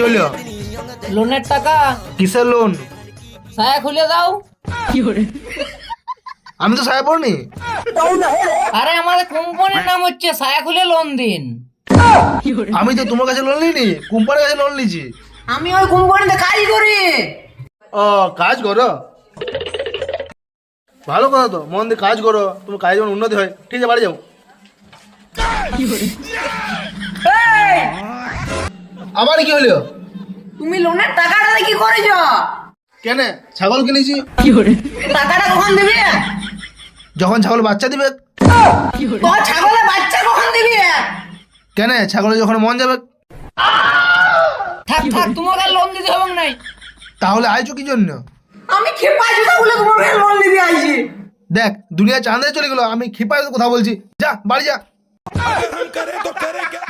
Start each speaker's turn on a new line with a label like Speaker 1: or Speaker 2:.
Speaker 1: হলো?
Speaker 2: লোনের টাকা।
Speaker 1: কিসের লোন?
Speaker 2: সায়া খুলে দাও।
Speaker 1: আমি তো সাহেব পড়নি।
Speaker 2: আরে আমাদের কোম্পানির নাম হচ্ছে সায়া খুলে লোন দিন।
Speaker 1: আমি তো তোমার কাছে লোন নিইনি, কোম্পানির কাছে লোন নিয়েছি।
Speaker 2: আমি ওই কোম্পানিতে কাজ করি।
Speaker 1: ও, কাজ করো? ভালো কথা তো, মন দিয়ে কাজ করো, তোমার কাজ যেমন উন্নতি হয়। ঠিক আছে, বাড়ি যাও।
Speaker 2: এই,
Speaker 1: আবার কি হলো?
Speaker 2: তুমি লোনের টাকাটা কি করেছ?
Speaker 1: কেন? ছাগল কিনেছি।
Speaker 2: টাকাটা কখন দিবি?
Speaker 1: যখন ছাগল বাচ্চা দিবে।
Speaker 2: তো ছাগলের বাচ্চা কখন দিবি?
Speaker 1: কেন? ছাগলের যখন মন যাবে।
Speaker 2: থাক থাক, তোমাকে আর লোন দিতে হবে নাই।
Speaker 1: তাহলে আইছো কি জন্য?
Speaker 2: আমি খেপা জুতা বলে তোমাকে লোন দিতে আইছি।
Speaker 1: দেখ, দুনিয়া চাঁদে চলে গেল, আমি খিপায় কথা বলছি। যা বাড়ি যা।